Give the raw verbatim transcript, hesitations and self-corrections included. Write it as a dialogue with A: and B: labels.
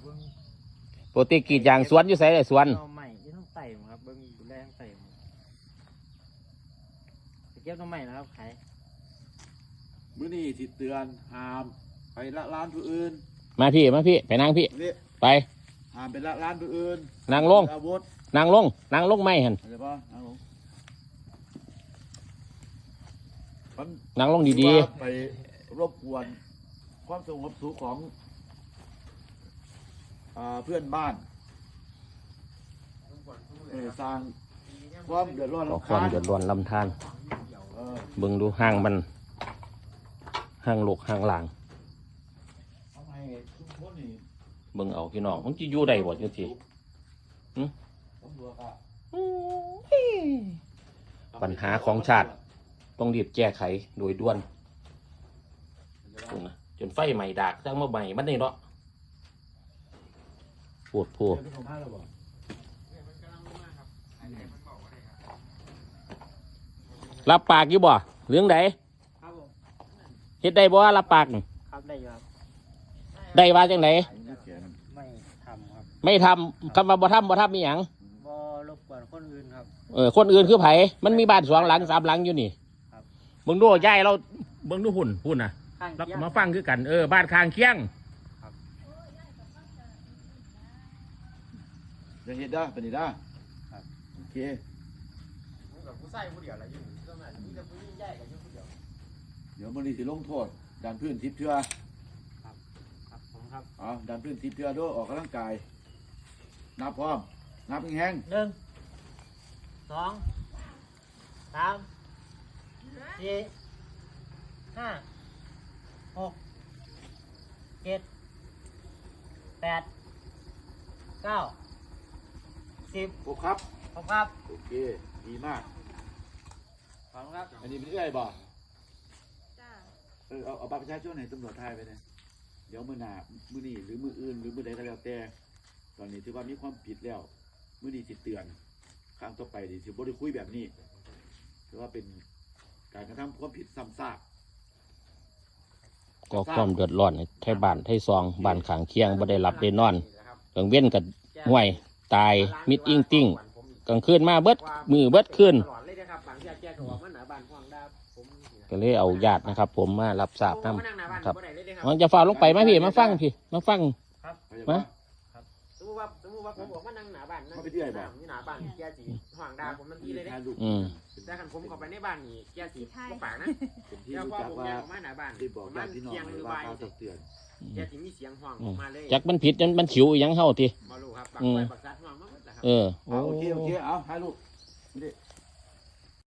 A: ปกติกรีดยางสวนอยู่ไสเลยสวน
B: ใหม่ที่ต้องไต่ครับเบิ้งดูแลต้องไต่ไปเก็บต้นใหม่นะครับขาย
C: มื้อนี้สิเตือนห้ามไปละร้านผู้อื่น
A: มาพี่มาพี่ไปนั่งพี่ไป
C: ห้ามไปละร้านผู้อื่น
A: นั่งลงนั่งลงนั่งลงไม่หัน
C: อะไรป่ะนั่งลง
A: นั่งลงดี
C: ๆไปรบกวนความสงบสุขของเพื่อนบ้านสร้างความเดือดร้อน
A: รำคาญความเดือดร้อนลำธารเบิ่งดูห้างมันห้างโลกห้างหลางเบิ่งเอาพี่น้องมันจะอยู่ได้บ่จังซี่ปัญหาของชาติต้องรีบแก้ไขโดยด่วนจนไฟใหม่ดากจังมาใหม่มันนี่เนาะปวดพัวรับปากอยู่บ่เรื่องใดเฮ็ดได้บ่รับปาก
B: ครับได้ครับ
A: ได้ว่าจังได
B: ไม่ทำครับ
A: ไม่ทำคำว่าบ่ทำบ่ทำมีหยัง
B: บ่รบกวนคนอื่นครับ
A: เออคนอื่นคือไผมันมีบ้านสองหลังสามหลังอยู่นี่เบิ่งดูยายเราเบิ่งดูหุ่นหุ่นน่ะแล้วมาฟังคือกันเออบ้านข้างเคียง
C: จะเห็นได้เป็นได้โอเคเดี๋ยวมันนี่สิลงโทษดันพื้นทิพย์เทือ
B: ครับครับผมครับ
C: อ๋อดันพื้นทิพย์เทือด้วยออกกำลังกายนับพร้อมนับแห้ง
B: หนึ่งสองสามสี่ห้าหกเจ็ดแปดเก้าสิบ
C: ครบครับ
B: ครบครับ
C: โอเคดีมาก
B: ขอบคุณครับ
C: อันนี้เป็นเอื้อยบ่จ้าเออเอาเอาบัตรประชาชนให้ตำรวจไทยไปเลยเดี๋ยวมือหน้ามือนี่หรือมืออื่นหรือมือใดก็แล้วแต่ตอนนี้ถือว่ามีความผิดแล้วมือนี่ติดเตือนครั้งต่อไปดิถือว่าได้คุยแบบนี้ถือว่าเป็นการกระทำความผิดซ้ำซาก
A: ก็ความเดือดร้อนไทยบ้านไทยซองบ้านข้างเคียงบ่ได้หลับได้นอนกลางเว้นกับห่วยตายมิดอิงติ้งกลางคืนมาเบิดมือเบิดคืนก็เลยเอาญาตินะครับผมมารับทราบนำครับมันจะฝ่าลงไปมาพี่มาฟังพี่มาฟังมา
B: สมมติว่าสมมติว่าผมบอกว่านั่งหน้าบ้านนั่งอยู่หน้าบ้านแกจีห่างดาผมมันทีเลยเนี่ยแต่ขันผมเข้าไปในบ้านนี่แกจีก็ปากนะเจ้าพ่อผมยังออกมาหน้าบ้านมันเสียงหรือใบแกจีมีเสียงห่างออกมาเลย
A: จักมันผิดจนมันขิวยังเฮาที
B: มาลูกครับปากไฟปากซัดห่างมากเลยครับ
A: เออ
C: โอเคโอเคเอาให้ลูก